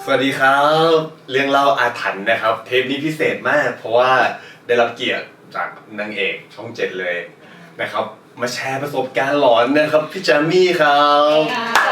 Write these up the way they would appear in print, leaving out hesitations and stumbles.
วัสดีครับเรื่องเล่าอาถรรพ์นะครับเทปนี้พิเศษมากเพราะว่าได้รับเกียรติจากนางเอกช่อง7เลยนะครับมาแชร์ประสบการณ์หลอนนะครับพี่แจมมี่ครับ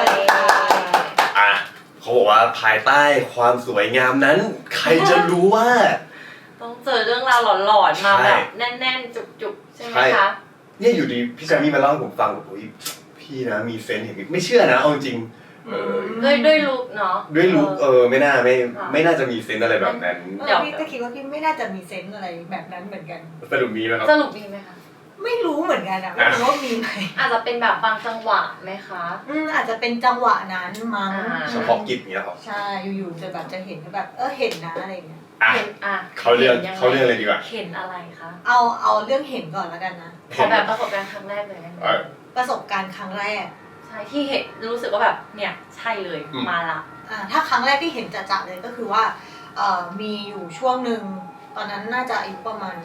เขาบอกว่าภายใต้ความสวยงามนั้นใครจะรู้ว่าต้องเจอเรื่องราวหลอนๆมาแบบแน่นๆจุกๆใช่ไหมคะเนี่ยอยู่ดีพี่แจมมี่มาเล่าให้ผมฟังโอ้ยพี่นะมีเซนส์เห็นไม่เชื่อนะเอาจริงด้วยลุคเนาะด้วยลุคไม่น่าจะมีเซนส์อะไรแบบนั้นพี่ก็คิดว่าพี่ไม่น่าจะมีเซนส์อะไรแบบนั้นเหมือนกันสรุปมีไหมครับสรุปมีไหมคะไม่รู้เหมือนกันอะไม่รู้ว่ามีไหมอาจจะเป็นแบบบางจังหวะไหมคะอาจจะเป็นจังหวะนั้นมั้งเฉพาะกิจเนี้ยหรอใช่อยู่ๆจะแบบจะเห็นแบบเห็นนะอะไรเงี้ยเห็นเขาเรื่องอะไรดีกว่าเห็นอะไรคะเอาเรื่องเห็นก่อนแล้วกันนะขอแบบประสบการณ์ครั้งแรกเลยประสบการณ์ครั้งแรกใช่ที่เห็นรู้สึกว่าแบบเนี่ยใช่เลยมาละถ้าครั้งแรกที่เห็นจะๆเลยก็คือว่ามีอยู่ช่วงหนึ่งตอนนั้นน่าจะอายุประมาณ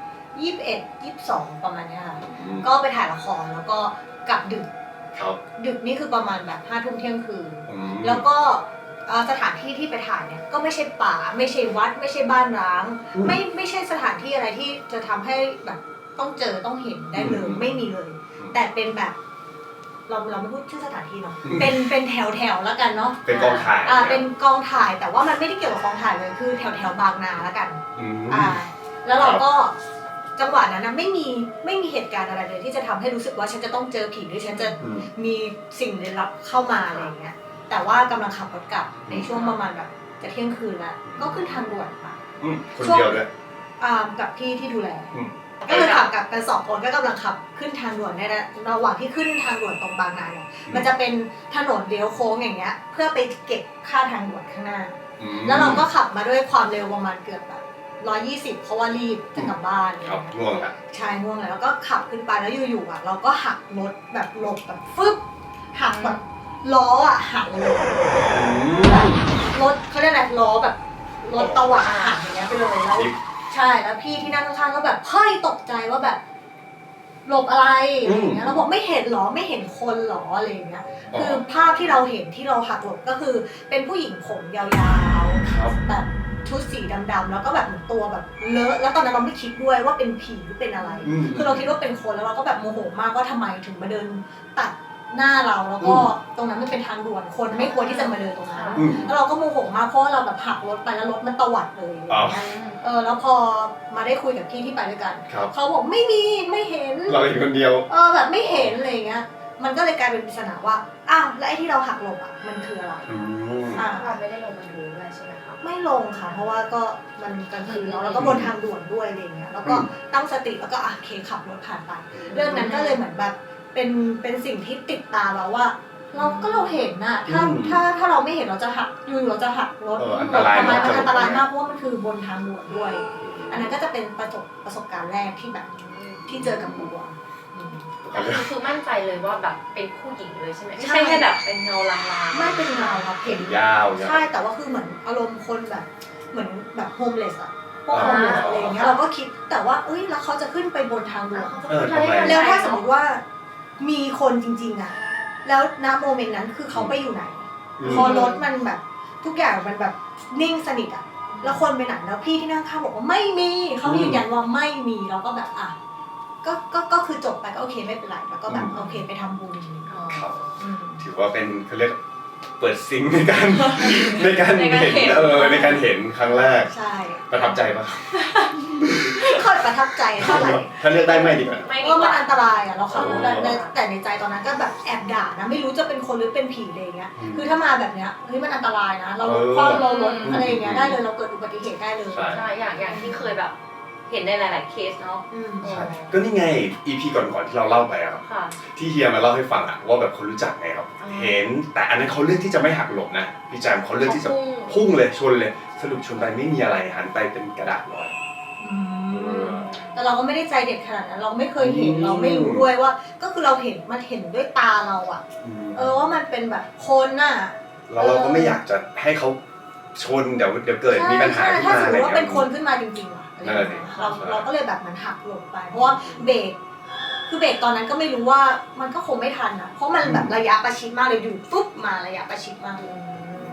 21-22ประมาณนี้ค่ะก็ไปถ่ายละครแล้วก็กลับดึกนี่คือประมาณแบบ5 ทุ่มเที่ยงคืนแล้วก็สถานที่ที่ไปถ่ายเนี่ยก็ไม่ใช่ป่าไม่ใช่วัดไม่ใช่บ้านร้างไม่ใช่สถานที่อะไรที่จะทำให้แบบต้องเจอต้องเห็นได้เลยไม่มีเลยแต่เป็นแบบเราไม่พูดชื่อสถานที่เนาะเป็นแถวแล้วกันเนาะเป็นกองถ่ายเป็นกองถ่ายแต่ว่ามันไม่ได้เกี่ยวกับกองถ่ายเลยคือแถวบางนาแล้วกันแล้วเราก็จังหวะนั้นนะไม่มีเหตุการณ์อะไรเลยที่จะทำให้รู้สึกว่าฉันจะต้องเจอผีหรือฉันจะมีสิ่งลึกลับเข้ามาอะไรอย่างเงี้ยแต่ว่ากำลังขับรถกลับในช่วงประมาณแบบจะเที่ยงคืนแล้วก็ขึ้นทางด่วนมาคนเดียวด้วยกับพี่ที่ดูแลก็เลยขับกับกัน2 คนก็กำลังขับขึ้นทางด่วนในระหว่างที่ขึ้นทางด่วนตรงบางนาเนี่ยมันจะเป็นถนนเลี้ยวโค้งอย่างเงี้ยเพื่อไปเก็บค่าทางด่วนข้างหน้าแล้วเราก็ขับมาด้วยความเร็วประมาณเกือบแบบ120เพราะว่ารีบจะกลับบ้านง่วงละใช่ง่วงแล้วก็ขับขึ้นไปแล้วอยู่ๆเราก็หักรถแบบหลบแบบฟึบหักแบบล้อหักเลยรถเขาเรียกอะไรล้อแบบรถตวัดหักอย่างเงี้ยไปเลยแล้วใช่แล้วพี่ที่นั่งข้างๆก็แบบเฮ้ยตกใจว่าแบบหลบอะไรอย่างเงี้ยเราบอกไม่เห็นหรอไม่เห็นคนหรออะไรอย่างเงี้ยคือภาพที่เราเห็นที่เราหักหลบก็คือเป็นผู้หญิงผมยาวๆแบบชุดสีดำๆแล้วก็แบบเหมือนตัวแบบเลอะแล้วตอนนั้นเราไม่คิดด้วยว่าเป็นผีหรือเป็นอะไรคือเราคิดว่าเป็นคนแล้วเราก็แบบโมโหมากว่าทำไมถึงมาเดินตัดหน้าเราแล้วก็ตรงนั้นมันเป็นทางด่วนคนไม่ควรที่จะมาเดินตรงนั้นแล้วเราก็โมโหมากเพราะเราแบบหักรถไปแล้วรถมันตวัดเลยแล้วพอมาได้คุยกับพี่ที่ไปด้วยกันเขาบอกไม่มีไม่เห็นเราเห็นคนเดียวแบบไม่เห็นอะไรเงี้ยมันก็เลยกลายเป็นปริศนาว่าอ้าวแล้วไอ้ที่เราหักหลบมันคืออะไรเราไม่ได้ลงมาดูด้วยใช่ไหมคะไม่ลงค่ะเพราะว่าก็มันกลางคืนแล้วก็บนทางด่วนด้วยอะไรเงี้ยแล้วก็ตั้งสติแล้วก็โอเคขับรถผ่านไปเรื่องนั้นก็เลยเหมือนแบบเป็นสิ่งที่ติดตาเราว่าเราเห็นน่ะถ้าเราไม่เห็นเราจะหักเราจะหักรถอันตรายมากอันตรายมากเพราะว่ามันคือบนทางด่วนด้วยอันนั้นก็จะเป็นประสบการณ์แรกที่แบบที่เจอกับบัวคือมั่นใจเลยว่าแบบเป็นผู้หญิงเลยใช่ไหมไม่ใช่แค่แบบเป็นเงาลางๆไม่เป็นเงาครับเห็นยาวใช่แต่ว่าคือเหมือนอารมณ์คนแบบเหมือนแบบโฮมเลสพวกโฮมเลสอะไรอย่างเงี้ยเราก็คิดแต่ว่าแล้วเขาจะขึ้นไปบนทางด่วนแล้วถ้าสมมติว่ามีคนจริงๆแล้วณโมเมนต์นั้นคือเขาไปอยู่ไหนพอรถมันแบบทุกอย่างมันแบบนิ่งสนิทแล้วคนไปไหนแล้วพี่ที่นั่งข้างบอกว่าไม่มีเขายืนยันว่าไม่มีเราก็แบบก็คือจบไปก็โอเคไม่เป็นไรแล้วก็แบบโอเคไปทำบุญถือว่าเป็นเขาเรียกเปิดซิงในการเห็นในการเห็นครั้งแรกใช่ประทับใจปะไม่ค่อยประทับใจเท่าไหร่ถ้าเลือกได้ไม่ดีกว่าเพราะมันอันตรายเราขับรถแต่ในใจตอนนั้นก็แบบแอบด่านะไม่รู้จะเป็นคนหรือเป็นผีอะไรเงี้ยคือถ้ามาแบบเนี้ยมันอันตรายนะเราความเรารถอะไรอย่างเงี้ยได้เลยเราเกิดอุบัติเหตุได้เลยใช่อย่างที่เคยแบบเห็นในหลายๆเคสเนาะก็นี่ไง EP ก่อนที่เราเล่าไปครับที่เฮียมาเล่าให้ฟังว่าแบบคนรู้จักไงครับเห็นแต่อันนั้นเขาเลือกที่จะไม่หักหลบนะพี่แจมเขาเลือกที่จะพุ่งเลยชนเลยสรุปชนไปไม่มีอะไรหันไปเป็นกระดาษลอยแต่เราก็ไม่ได้ใจเด็ดขนาดนั้นเราไม่เคยเห็นเราไม่รู้ด้วยว่าก็คือเราเห็นมันเห็นด้วยตาเราว่ามันเป็นแบบคนเราก็ไม่อยากจะให้เขาชนเดี๋ยวเกิดมีปัญหาขึ้นมาถ้าสมมติว่าเป็นคนขึ้นมาจริงๆเราก็เลยแบบมันหักหลบไปเพราะว่าเบรกคือเบรกตอนนั้นก็ไม่รู้ว่ามันก็คงไม่ทันเพราะมันแบบระยะประชิดมากเลยอยู่ปุ๊บมาระยะประชิดมากเลย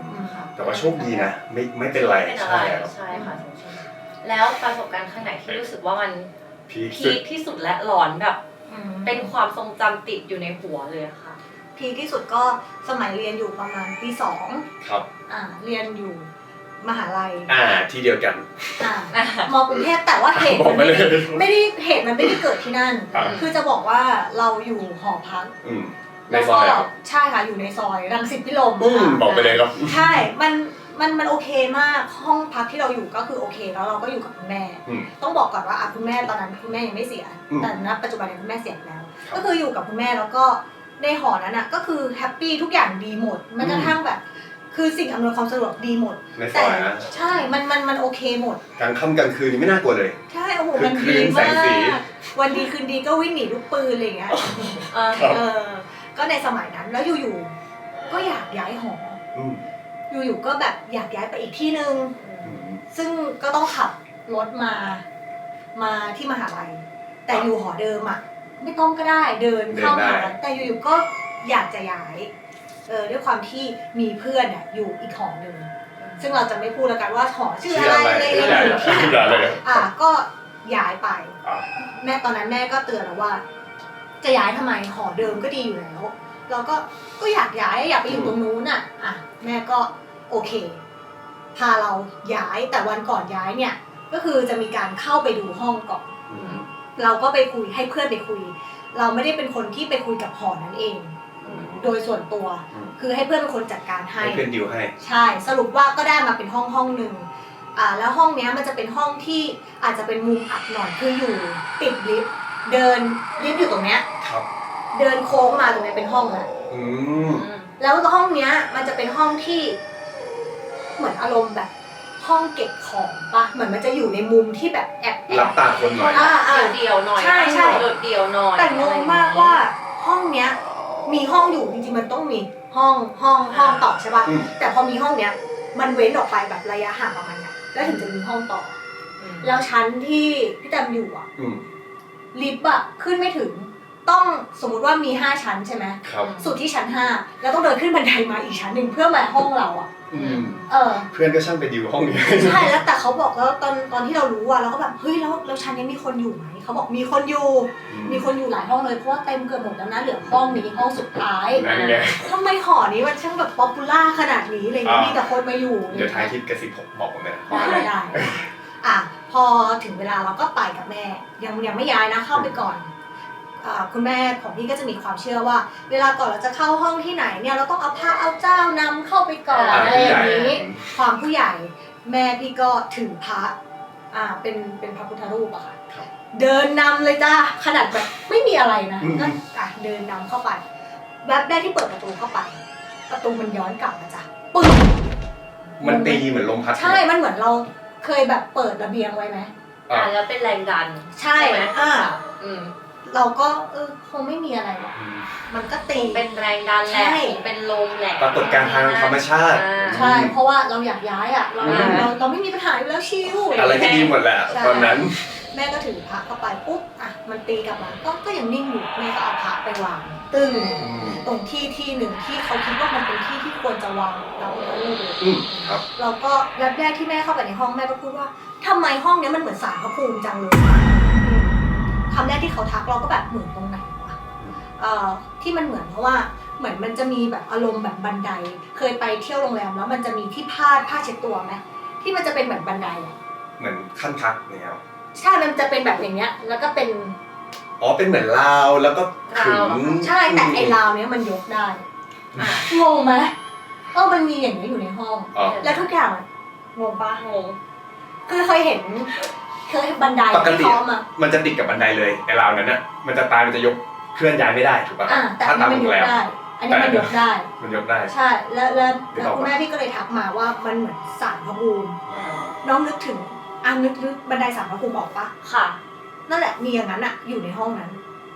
แต่ว่าโชคดีนะไม่เป็นไรใช่ใช่ค่ะแล้วประสบการณ์ข้างไหนที่รู้สึกว่ามันพีคที่สุดและหลอนแบบเป็นความทรงจำติดอยู่ในหัวเลยค่ะพีคที่สุดก็สมัยเรียนอยู่ประมาณปี2 ครับเรียนอยู่มหาลัยที่เดียวกันมกรุงเทพแต่ว่าเหตุมันไม่ได้เกิดที่นั่นคือจะบอกว่าเราอยู่หอพักในซอยใช่ค่ะอยู่ในซอยรังสิตพิรมบอกไปเลยครับใช่มันโอเคมากห้องพักที่เราอยู่ก็คือโอเคแล้วเราก็อยู่กับคุณแม่ต้องบอกก่อนว่าคุณแม่ตอนนั้นคุณแม่ยังไม่เสียแต่ณปัจจุบันนี้คุณแม่เสียแล้วก็คืออยู่กับคุณแม่แล้วก็ในหอนั้นก็คือแฮปปี้ทุกอย่างดีหมดแม้กระทั่งแบบคือสิ่งอำนวยความสะดวกดีหมดแต่ใช่มันโอเคหมดกลางค่ำกลางคืนนี่ไม่น่ากลัวเลยใช่โอ้โหมันดีมากวันดีคืนดีก็วิ่งหนีลูกปืนอะไรอย่างเงี้ยก็ในสมัยนั้นแล้วอยู่ๆก็อยากย้ายหออยู่ๆก็แบบอยากย้ายไปอีกที่นึงซึ่งก็ต้องขับรถมาที่มหาลัยแต่อยู่หอเดิมไม่ต้องก็ได้เดินเข้ามหาลัยแต่อยู่ๆก็อยากจะย้ายด้วยความที่มีเพื่อนอยู่อีกหอหนึ่งซึ่งเราจะไม่พูดแล้วกันว่าหอชื่ออะไรเลยที่ไหนก็ย้ายไปแม่ตอนนั้นแม่ก็เตือนเราว่าจะย้ายทำไมหอเดิมก็ดีอยู่แล้วเราก็อยากย้ายอยากไปอยู่ตรงนู้นแม่ก็โอเคพาเราย้ายแต่วันก่อนย้ายเนี่ยก็คือจะมีการเข้าไปดูห้องก่อนเราก็ไปคุยให้เพื่อนไปคุยเราไม่ได้เป็นคนที่ไปคุยกับหอนั้นเองโดยส่วนตัวคือให้เพื่อนเป็นคนจัดการให้เพื่อนดิวให้ใช่สรุปว่าก็ได้มาเป็นห้องนึงแล้วห้องเนี้ยมันจะเป็นห้องที่อาจจะเป็นมุมอับหน่อยคืออยู่ติดลิฟต์เดินลิฟต์อยู่ตรงเนี้ยเดินโค้งมาตรงนี้เป็นห้องแล้วห้องเนี้ยมันจะเป็นห้องที่เหมือนอารมณ์แบบห้องเก็บของปะเหมือนมันจะอยู่ในมุมที่แบบแอบรับตาคนหน่อยเดี่ยวหน่อยใช่โดดเดี่ยวหน่อยแต่งงมากว่าห้องเนี้ยมีห้องอยู่จริงๆมันต้องมีห้องต่อใช่ป่ะแต่พอมีห้องเนี้ยมันเว้นออกไปแบบระยะห่างประมาณนั้นแล้วถึงจะมีห้องต่อแล้วชั้นที่พี่แตมอยู่ลิฟต์ขึ้นไม่ถึงต้องสมมุติว่ามี5ชั้นใช่ไหมสุดที่ชั้น5แล้วต้องเดินขึ้นบันไดมาอีกชั้นหนึ่งเพื่อมาห้องเราเพื่อนก็ช่างไปดิวห้องนี้ใช่แล้วแต่เขาบอกแล้วตอนที่เรารู้เราก็แบบเฮ้ยแล้วชั้นนี้มีคนอยู่ไหมเขาบอกมีคนอยู่หลายห้องเลยเพราะว่าเต็มเกือบหมดแล้วนะเหลือห้องนี้ห้องสุดท้ายทำไมหอนี้มันช่างแบบป๊อปปูล่าขนาดนี้อะไรเงี้ยมีแต่คนมาอยู่เดี๋ยวท้ายคลิปกระซิบบอกผมเลยได้พอถึงเวลาเราก็ไปกับแม่ยังไม่ย้ายนะเข้าไปก่อนคุณแม่ของพี่ก็จะมีความเชื่อว่าเวลาก่อนเราจะเข้าห้องที่ไหนเนี่ยเราต้องเอาพระเอาเจ้านำเข้าไปก่อนอะไรอย่างนี้ความผู้ใหญ่แม่พี่ก็ถือพระเป็นพระพุทธรูปค่ะเดินนำเลยจ้าขนาดแบบไม่มีอะไรนะก็เดินนำเข้าไปแวบแรกที่เปิดประตูเข้าไปประตูมันย้อนกลับมาจ้ะปึ้งมันตีเหมือนลมพัดใช่มันเหมือนเราเคยแบบเปิดระเบียงไว้ไหมแล้วเป็นแรงดันใช่ไหมเราก็คงไม่มีอะไรหรอกมันก็ตีเป็นแรงดันแหละเป็นลมแหละปรากฏการณ์ทางธรรมชาติใช่เพราะว่าเราอยากย้ายเราไม่มีปัญหาอยู่แล้วชิวอะไรที่ดีหมดแหละตอนนั้นแม่ก็ถือพระเข้าไปปุ๊บมันตีกลับมาก็ยังนิ่งอยู่แม่ก็เอาพระไปวางตึ้งตรงที่หนึ่งที่เขาคิดว่ามันเป็นที่ที่ควรจะวางเราเราก็แรกที่แม่เข้าไปในห้องแม่ก็พูดว่าทำไมห้องนี้มันเหมือนศาลพระภูมิจังเลยคำแรกที่เขาทักเราก็แบบเหมือนตรงไหนวะที่มันเหมือนเพราะว่าเหมือนมันจะมีแบบอารมณ์แบบบันไดเคยไปเที่ยวโรงแรมแล้วมันจะมีที่ผ้าเช็ดตัวไหมที่มันจะเป็นเหมือนบันไดเหมือนขั้นพักเนี่ยครับใช่มันจะเป็นแบบอย่างเงี้ยแล้วก็เป็นเป็นเหมือนราวแล้วก็ขึงใช่แต่ไอ้ราวเนี้ยมันยกได้งงไหมมันมีอย่างนี้อยู่ในห้องแล้วทุกอย่างงงปะงงคือเคยเห็นบันไดที่พร้อมมันจะติดกับบันไดเลยไอ้ราวนั้นน่ะมันจะยกเคลื่อนย้ายไม่ได้ถูกป่ะถ้าตามโรงแรมอันนี้มันยกได้ใช่แล้วคุณแม่พี่ก็เลยทักมาว่ามันเหมือนศาลพระภูมิน้องนึกถึงนึกบันไดศาลพระภูมิออกปะค่ะนั่นแหละมีอย่างนั้นอยู่ในห้องนั้น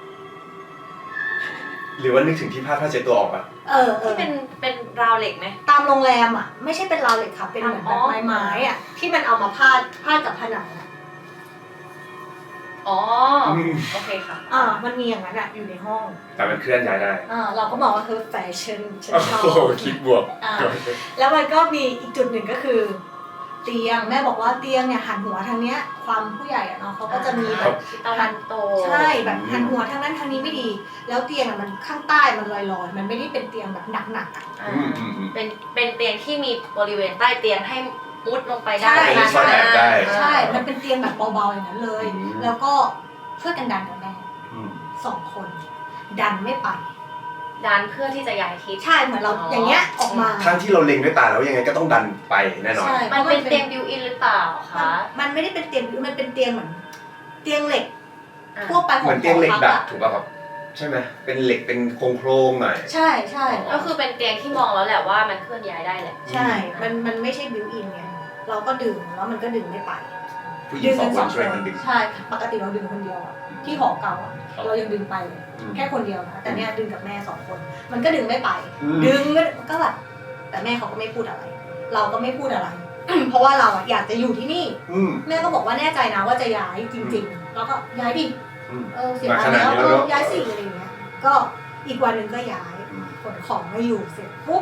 หรือว่านึกถึงที่ผ้าเช็ดตัวออกปะที่เป็นราวเหล็กไหมตามโรงแรมไม่ใช่เป็นราวเหล็กค่ะเป็นเหมือนแบบไม้ที่มันเอามาพาดกับผนังอ๋อโอเคค่ะมันมีอย่างนั้นอยู่ในห้องแต่มันเคลื่อนย้ายได้เราก็บอกว่าแฟชั่นฉันชอบคิดบวกแล้วมันก็มีอีกจุดหนึ่งก็คือเตียงแม่บอกว่าเตียงเนี่ยหันหัวทางเนี้ยความผู้ใหญ่เนาะเขาก็จะมีแบบหันโตใช่แบบหันหัวทางนั้นทางนี้ไม่ดีแล้วเตียงมันข้างใต้มันลอยๆมันไม่ได้เป็นเตียงแบบหนักๆเป็นเตียงที่มีบริเวณใต้เตียงให้มุดลงไปได้ใช่มันเป็นเตียงแบบเบาๆอย่างนั้นเลยแล้วก็ช่วยกันดันกับแม่2 คนดันไม่ไปดันเพื่อที่จะย้ายทิศใช่เหมือนเราอย่างเงี้ยออกมาทั้งที่เราเล็งด้วยตาแล้วยังไงก็ต้องดันไปแน่นอนมันเป็นเตียงบิวอินหรือเปล่าคะมันไม่ได้เป็นเตียงมันเป็นเตียงเหมือนเตียงเหล็กทั่วไปของเหมือนเตียงเหล็กดัดถูกป่ะครับใช่ไหมเป็นเหล็กเป็นโครงๆหน่อยใช่ใช่ก็คือเป็นเตียงที่มองแล้วแหละว่ามันเคลื่อนย้ายได้แหละใช่มันไม่ใช่บิวอินไงเราก็ดึงแล้วมันก็ดึงไม่ไปผู้หญิง2 คนช่วยกันดึงใช่ปกติเราดึงคนเดียวที่หอเก่าเรายังดึงไปแค่คนเดียวนะแต่เนี่ยดึงกับแม่2 คนมันก็ดึงไม่ไปดึงก็แบบแต่แม่เขาก็ไม่พูดอะไรเราก็ไม่พูดอะไรเพราะว่าเราอยากจะอยู่ที่นี่แม่ก็บอกว่าแน่ใจนะว่าจะย้ายจริงๆแล้วก็ย้ายดิเสียตังค์แล้วย้ายสิอะไรอย่างเงี้ยก็อีกวันหนึ่งก็ย้ายขนของมาอยู่เสร็จปุ๊บ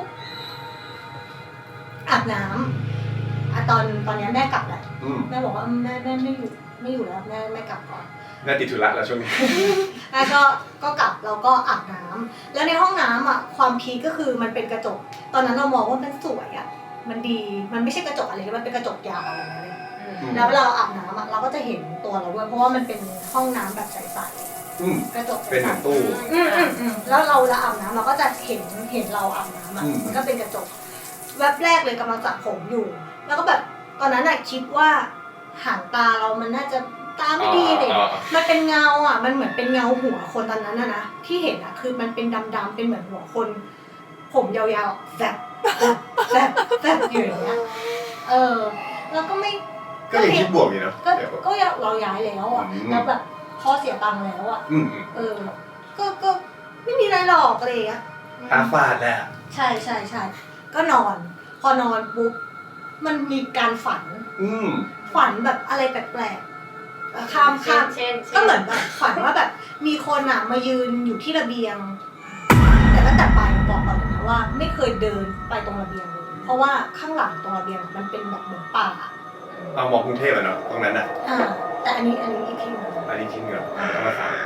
อาบน้ำตอนนี้แม่กลับแหละแม่บอกว่าแม่ไม่อยู่แล้วแม่กลับก่อนแม่ติดธุระแล้วช่วงนี้แม่ก็กลับเราก็อาบน้ำแล้วในห้องน้ำความพีคก็คือมันเป็นกระจกตอนนั้นเรามองว่ามันสวยมันดีมันไม่ใช่กระจกอะไรมันเป็นกระจกยาวอะไรนั่นเลยแล้วเวลาเราอาบน้ำเราก็จะเห็นตัวเราด้วยเพราะว่ามันเป็นห้องน้ำแบบใสๆกระจกเป็นเหมือนตู้แล้วเราอาบน้ำเราก็จะเห็นเราอาบน้ำมันก็เป็นกระจกแวบแรกเลยกำลังสระผมอยู่แล้วก็แบบตอนนั้นคิดว่าหางตาเรามันน่าจะตาไม่ดีเลยมันเป็นเงามันเหมือนเป็นเงาหัวคนตอนนั้นนะที่เห็นคือมันเป็นดำๆเป็นเหมือนหัวคนผมยาวๆแซบอยู่อย่างเงี้ยแล้วก็ไม่ก็ยังคิดบวกอยู่นะก็เราย้ายแล้วแล้วแบบพ่อเสียตังค์แล้วก็ไม่มีอะไรหรอกอะไรอย่างเงี้ยตาฟาดแหละใช่ก็นอนพอนอนปุ๊บมันมีการฝันแบบอะไรแปลกๆข้ามก็เหมือนแบบฝันว่าแบบมีคนมายืนอยู่ที่ระเบียงแต่ตั้งแต่ไปบอกก่อนนะว่าไม่เคยเดินไปตรงระเบียงเลยเพราะว่าข้างหลังตรงระเบียงมันเป็นแบบเหมือนป่าเอามองกรุงเทพเนาะตรงนั้นแต่อันนี้อีกที่นึงที่เหนือต้องมาถาม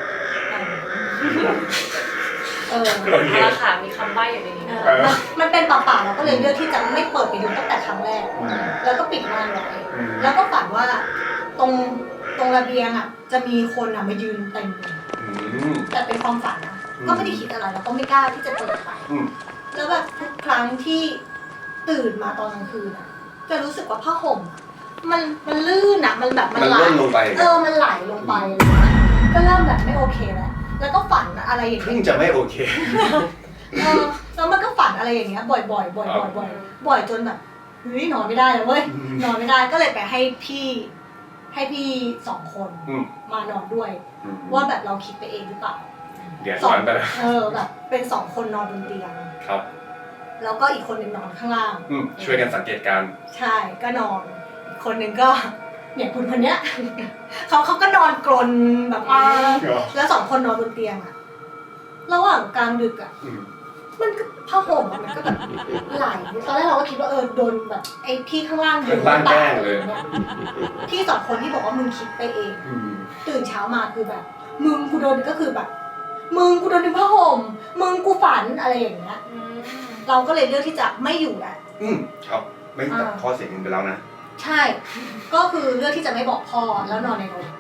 ราคามีคำใบ้อยู่ในนี้มันเป็นป่าเราก็เลยเลือกที่จะไม่เปิดไปดูตั้งแต่ครั้งแรกแล้วก็ปิดม่านไว้แล้วก็ฝันว่าตรงระเบียงจะมีคนมายืนเต็มแต่เป็นความฝันนะก็ไม่ได้คิดอะไรแล้วก็ไม่กล้าที่จะเปิดไปแล้วแบบทุกครั้งที่ตื่นมาตอนกลางคืนจะรู้สึกว่าผ้าห่มมันลื่นมันแบบมันไหลลงไปมันไหลลงไปก็เริ่มแบบไม่โอเคแล้วก็ฝันอะไรอย่างเงี้ยจะไม่โอเคแล้วมันก็ฝันอะไรอย่างเงี้ยบ่อยจนแบบเฮ้ยนอนไม่ได้เลยเว้ยนอนไม่ได้ก็เลยไปให้พี่2 คนมานอนด้วยว่าแบบเราคิดไปเองหรือเปล่าเดี๋ยวซ้อนไปแล้วแบบเป็น2 คนนอนบนเตียงครับแล้วก็อีกคนนึงนอนข้างล่างช่วยกันสังเกตการใช่ก็นอนอีกคนนึงก็เนี่ยคุณคนเนี้ยเขาก็นอนกรนแบบแล้ว2 คนนอนบนเตียงระหว่างกลางดึกมันก็ผ้าห่มมันก็แบบไหลตอนแรกเราก็คิดว่าโดนแบบไอ้พี่ข้างล่างดึงบ้านแกล้งเลยพี่2 คนที่บอกว่ามึงคิดไปเองตื่นเช้ามาคือแบบมึงกูโดนก็คือแบบมึงกูโดนดึงผ้าห่มมึงกูฝันอะไรอย่างเงี้ยเราก็เลยเลือกที่จะไม่อยู่แหละครับไม่ตัดข้อเสียงไปแล้วนะใช่ก็คือเลือกที่จะไม่บอกพ่อแล้วนอนในรถ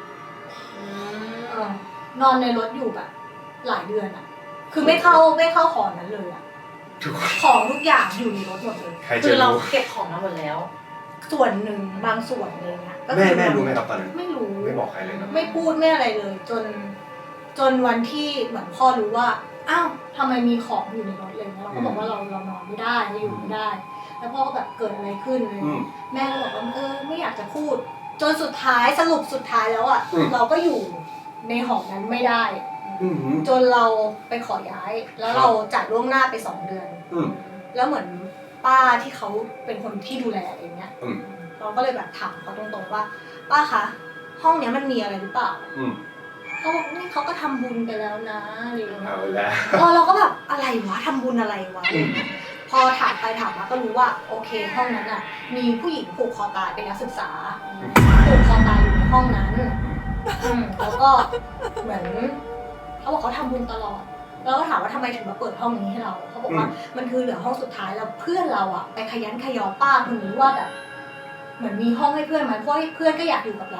นอนในรถอยู่แบบหลายเดือนคือไม่เข้าหอนั้นเลยของทุกอย่างอยู่ในรถหมดเลยคือเราเก็บของมาหมดแล้วส่วนหนึ่งบางส่วนอะไรเงี้ยแม่รู้ไหมครับตอนนั้นไม่รู้ไม่บอกใครเลยนะไม่พูดไม่อะไรเลยจนวันที่เหมือนพ่อรู้ว่าอ้าวทำไมมีของอยู่ในรถเลยเราก็บอกว่าเรานอนไม่ได้เราอยู่ไม่ได้แล้วพ่อก็แบบเกิดอะไรขึ้นเลยแม่ก็บอกว่าไม่อยากจะพูดจนสุดท้ายสรุปสุดท้ายแล้วเราก็อยู่ในหอนั้นไม่ได้จนเราไปขอย้ายแล้วเราจ่ายล่วงหน้าไป2 เดือนแล้วเหมือนป้าที่เขาเป็นคนที่ดูแลอย่างเงี้ยเราก็เลยแบบถามเขาตรงๆว่าป้าคะห้องเนี้ยมันมีอะไรหรือเปล่าเขาบอกนี่เขาก็ทำบุญไปแล้วนะอะไรอย่างเงี้ยเอาแล้วเราก็แบบอะไรวะทำบุญอะไรวะพอถามไปถามมาก็รู้ว่าโอเคห้องนั้นอ่ะมีผู้หญิงผูกคอตายเป็นนักศึกษาผูกคอตายอยู่ในห้องนั้นแล้วก็เหมือนเขาบอกเขาทำบุญตลอดแล้วก็ถามว่าทำไมถึงมาเปิดห้องนี้ให้เราเขาบอกว่ามันคือเหลือห้องสุดท้ายแล้วเพื่อนเราอ่ะไปขยันขยอป้าคนนี้ว่าแบบเหมือนมีห้องให้เพื่อนไหมเพราะเพื่อนก็อยากอยู่กับเรา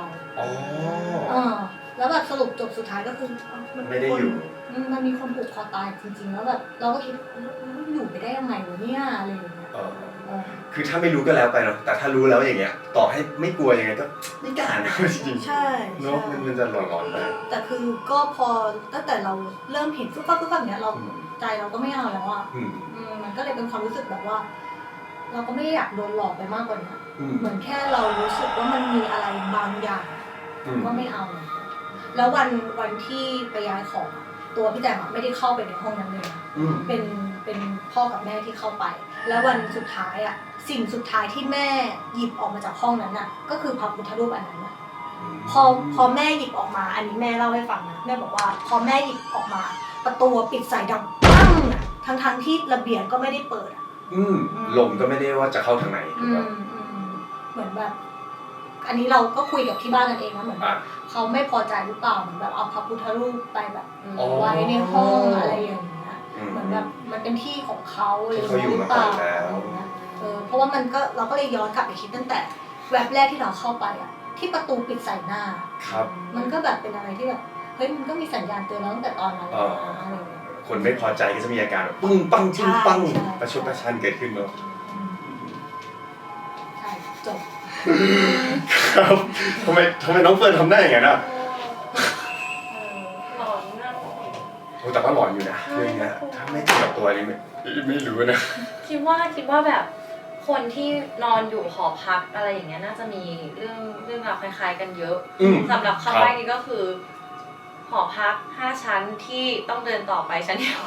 แล้วแบบสรุปจบสุดท้ายก็คือมันไม่ได้อยู่มันมีคนผูกคอตายจริงๆแล้วแบบเราก็คิดอยู่ไปได้ยังไงวะเนี่ยอะไรอย่างเงี้ยคือถ้าไม่รู้ก็แล้วไปเนาะแต่ถ้ารู้แล้วอย่างเงี้ยต่อให้ไม่กลัวยังไงก็ไม่กล้านะจริงใช่เนาะมันจะหลอนๆไปแต่คือก็พอตั้งแต่เราเริ่มเห็นฟุ๊บปั๊บเนี้ยเราใจเราก็ไม่เอาแล้วอ่ะมันก็เลยเป็นความรู้สึกแบบว่า เราก็ไม่อยากโดนหลอกไปมากกว่านี้เหมือนแค่เรารู้สึกว่ามันมีอะไรบางอย่างก็ไม่เอาแล้ววันที่ไปย้ายของตัวพี่แจมไม่ได้เข้าไปในห้องนั้นเลยเป็นพ่อกับแม่ที่เข้าไปแล้ววันสุดท้ายอ่ะสิ่งสุดท้ายที่แม่หยิบออกมาจากห้องนั้นน่ะก็คือพระพุทธรูปอันนั้นน่ะพอแม่หยิบออกมาอันนี้แม่เล่าให้ฟังนะแม่บอกว่าพอแม่หยิบออกมาประตูปิดใส่ดังปั้งอ่ะทั้งที่ระเบียงก็ไม่ได้เปิดอ่ะลมก็ไม่ได้ว่าจะเข้าทางไหนถูกป่ะเหมือนแบบอันนี้เราก็คุยกับที่บ้านกันเองนะเหมือนเขาไม่พอใจหรือเปล่าเหมือนแบบเอาพระพุทธรูปไปแบบไว้ในห้องอะไรอย่างเงี้ยเหมือนแบบมันเป็นที่ของเขาเลยหรือเปล่าเพราะว่ามันก็เราก็เลยย้อนกลับไปคิดตั้งแต่แวบแรกที่เราเข้าไปอ่ะที่ประตูปิดใส่หน้ามันก็แบบเป็นอะไรที่แบบเฮ้ยมันก็มีสัญญาณเตือนเราตั้งแต่ตอนนั้นแล้วอะไรอย่างเงี้ยคนไม่พอใจก็จะมีอาการแบบปึ้งปังปึ้งปังประชดประชันเกิดขึ้นเนาะใช่จบครับทำไมน้องเฟิร์นทำได้อย่างนั้นอ่ะหลอนนะโอ้แต่ว่าหลอนอยู่นะเรื่องนี้ถ้าไม่เจอกับตัวนี้ไม่รู้นะคิดว่าแบบคนที่นอนอยู่หอพักอะไรอย่างเงี้ยน่าจะมีเรื่องราวคล้ายๆกันเยอะสำหรับครั้งแรกนี้ก็คือหอพัก5 ชั้นที่ต้องเดินต่อไปชั้นเดียว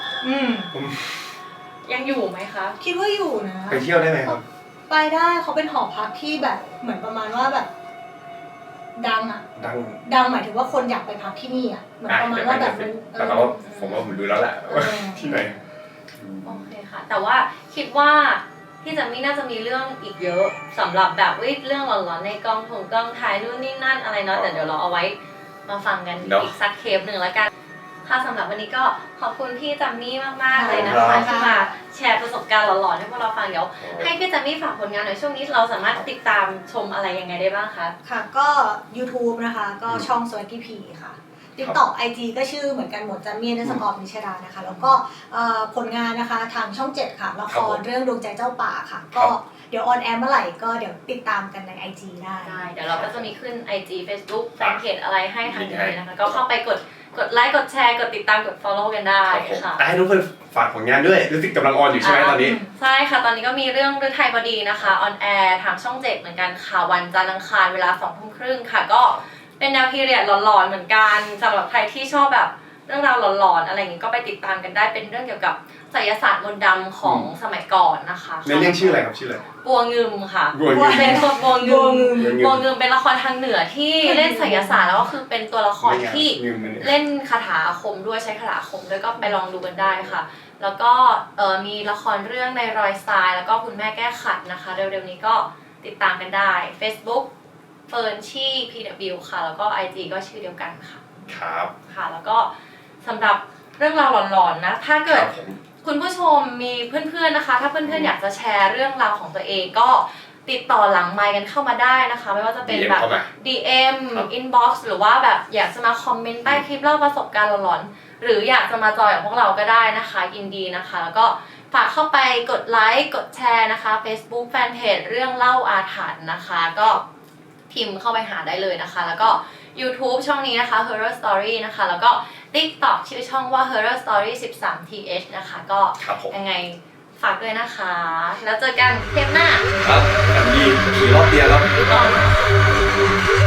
ยังอยู่ไหมคะคิดว่าอยู่นะไปเที่ยวได้ไหมครับไปได้เขาเป็นหอพักที่แบบเหมือนประมาณว่าแบบดังอ่ะดังหมายถึงว่าคนอยากไปพักที่นี่อ่ะเหมือนประมาณว่าแบบแต่ว่าผมว่าผมรู้แล้วแหละที่ไหนโอเคค่ะแต่ว่าคิดว่าพี่จัมมี่น่าจะมีเรื่องอีกเยอะสำหรับแบบเรื่องหลอนๆในกองถ่ายนู่นนี่นั่นอะไรเนาะแต่เดี๋ยวเราเอาไว้มาฟังกันอีกสักเทปหนึ่งแล้วกันค่ะสำหรับวันนี้ก็ขอบคุณพี่จัมมี่มากๆเลยนะคะที่มาแชร์ประสบการณ์หลอนๆให้พวกเราฟังเดี๋ยวให้พี่จัมมี่ฝากผลงานหน่อยช่วงนี้เราสามารถติดตามชมอะไรยังไงได้บ้างคะค่ะก็ YouTube นะคะก็ช่อง Swaggy P ค่ะ TikTok IG ก็ชื่อเหมือนกันหมดจัมมี่_นิชดานะคะแล้วก็ผลงานนะคะทางช่อง7ค่ะละครเรื่องดวงใจเจ้าป่าค่ะก็เดี๋ยวออนแอร์เมื่อไหร่ก็เดี๋ยวติดตามกันใน IG ได้เดี๋ยวเราก็จะมีขึ้น IG Facebook แฟนเพจอะไรให้ทางนี้นะคะก็เข้าไปกดไลค์กดแชร์กดติดตามกด follow กันได้ค่ะให้ทุกคนฝากผลงานด้วยรู้สึกกำลังออนอยู่ใช่ไหมตอนนี้ใช่ค่ะตอนนี้ก็มีเรื่องฤทัยบดีนะคะออนแอร์ทางช่อง7เหมือนกันค่ะวันจันทร์อังคารเวลา 20:30 นค่ะก็เป็นแนวพีเรียดหลอนๆเหมือนกันสำหรับใครที่ชอบแบบเรื่องราวหลอนๆอะไรอย่างงี้ก็ไปติดตามกันได้เป็นเรื่องเกี่ยวกับไสยศาสตร์มนต์ดำของสมัยก่อนนะคะในเรื่องชื่ออะไรครับชื่ออะไรบัวงึมค่ะเป็นบัวงึมเป็นละครทางเหนือที่เล่นไสยศาสตร์แล้วก็คือเป็นตัวละครที่เล่นคาถาอาคมด้วยใช้คาถาอาคมด้วยก็ไปลองดูกันได้ค่ะแล้วก็มีละครเรื่องในรอยทรายแล้วก็คุณแม่แก้ขัดนะคะเร็วๆนี้ก็ติดตามกันได้ Facebook เฟิร์นชี่ PW ค่ะแล้วก็ IG ก็ชื่อเดียวกันค่ะครับค่ะแล้วก็สำหรับเรื่องราวหลอนๆนะถ้าเกิดคุณผู้ชมมีเพื่อนๆนะคะถ้าเพื่อนๆอยากจะแชร์เรื่องราวของตัวเองก็ติดต่อหลังไมค์กันเข้ามาได้นะคะไม่ว่าจะเป็นแบบ DM Inbox หรือว่าแบบอยากจะมาคอมเมนต์ใต้คลิปเล่าประสบการณ์หลอนๆหรืออยากจะมาจอยกับพวกเราก็ได้นะคะยินดีนะคะแล้วก็ฝากเข้าไปกดไลค์กดแชร์นะคะ Facebook Fanpage เรื่องเล่าอาถรรพ์นะคะก็พิมพ์เข้าไปหาได้เลยนะคะแล้วก็ YouTube ช่องนี้นะคะ Horror Story นะคะแล้วก็ TikTok ชื่อช่องว่า Horror Story 13th นะคะก็ยังไงฝากด้วยนะคะแล้วเจอกันเทปหน้าครับแบบนี้ขี่รอบเดียวครับ